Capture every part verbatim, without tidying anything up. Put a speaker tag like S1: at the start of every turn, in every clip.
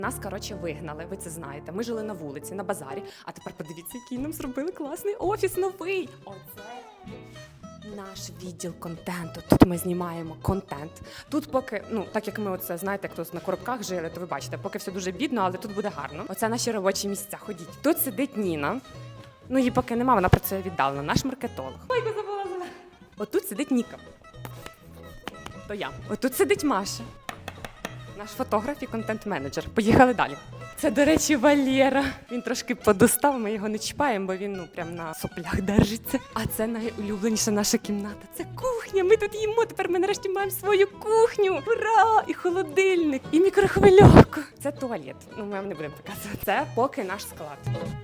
S1: Нас, коротше, вигнали, ви це знаєте. Ми жили на вулиці, на базарі. А тепер подивіться, який нам зробили класний офіс новий. Оце наш відділ контенту. Тут ми знімаємо контент. Тут поки, ну, так як ми оце, знаєте, як тут на коробках жили, то ви бачите, поки все дуже бідно, але тут буде гарно. Оце наші робочі місця, ходіть. Тут сидить Ніна. Ну, її поки нема, вона працює віддалено, наш маркетолог. Ой, я забула. Отут сидить Ніка. То я. Отут сидить Маша. Наш фотограф і контент-менеджер. Поїхали далі. Це, до речі, Валера. Він трошки подустав, ми його не чіпаємо, бо він, ну, прям на соплях держиться. А це найулюбленіша наша кімната. Це кухня, ми тут їмо, тепер ми нарешті маємо свою кухню. Ура! І холодильник, і мікрохвильовку. Це туалет. Ну, ми вам не будемо показувати. Це поки наш склад.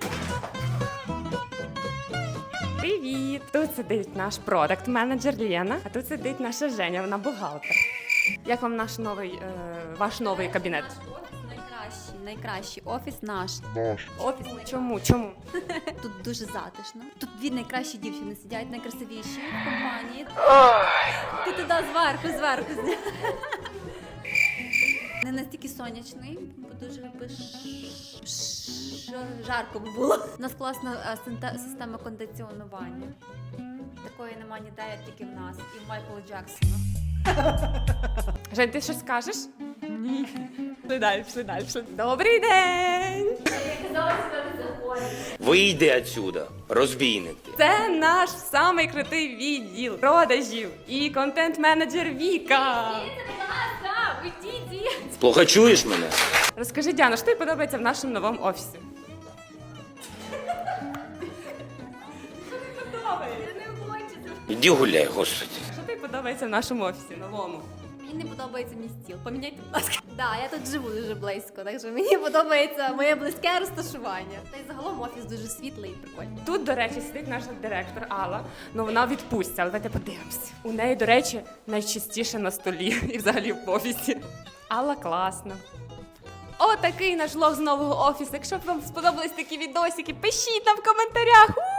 S1: Привіт! Тут сидить наш продакт-менеджер Лена, а тут сидить наша Женя, вона бухгалтер. Як вам наш новий, е, ваш новий кабінет?
S2: Наш офіс найкращий, найкращий офіс наш.
S1: Офіс? Чому? Чому?
S2: Тут дуже затишно. Тут дві найкращі дівчини сидять, найкрасивіші в компанії. Ти туди зверху, зверху. Не настільки сонячний, бо дуже би ш- ш- жарко би було. У нас класна е, синте- система кондиціонування. Такої нема ніде, як тільки в нас. І в Майкла Джексона.
S1: Жень, ти щось скажеш? Ні. Пішли далі, пішли далі. Пішли. Добрий день!
S3: Вийди отсюда, розбійники.
S1: Це наш самий крутий відділ продажів і контент-менеджер Віка.
S3: Плохо чуєш мене?
S1: Розкажи, Діана, що тобі подобається в нашому новому офісі?
S3: Іди гуляй, господи.
S1: Що тобі подобається в нашому офісі новому?
S2: Мені не подобається мій стіл. Поміняйте, будь ласка. Да, я тут живу дуже близько, так що мені подобається моє близьке розташування. Та й загалом офіс дуже світлий і прикольний.
S1: Тут, до речі, сидить наша директор Алла. Ну, вона в відпустці, але давайте подивимося. У неї, до речі, найчистіше на столі і взагалі в офісі. Алла класна. Отакий наш влог з нового офісу. Якщо б вам сподобались такі відосики, пишіть нам в коментарях. У!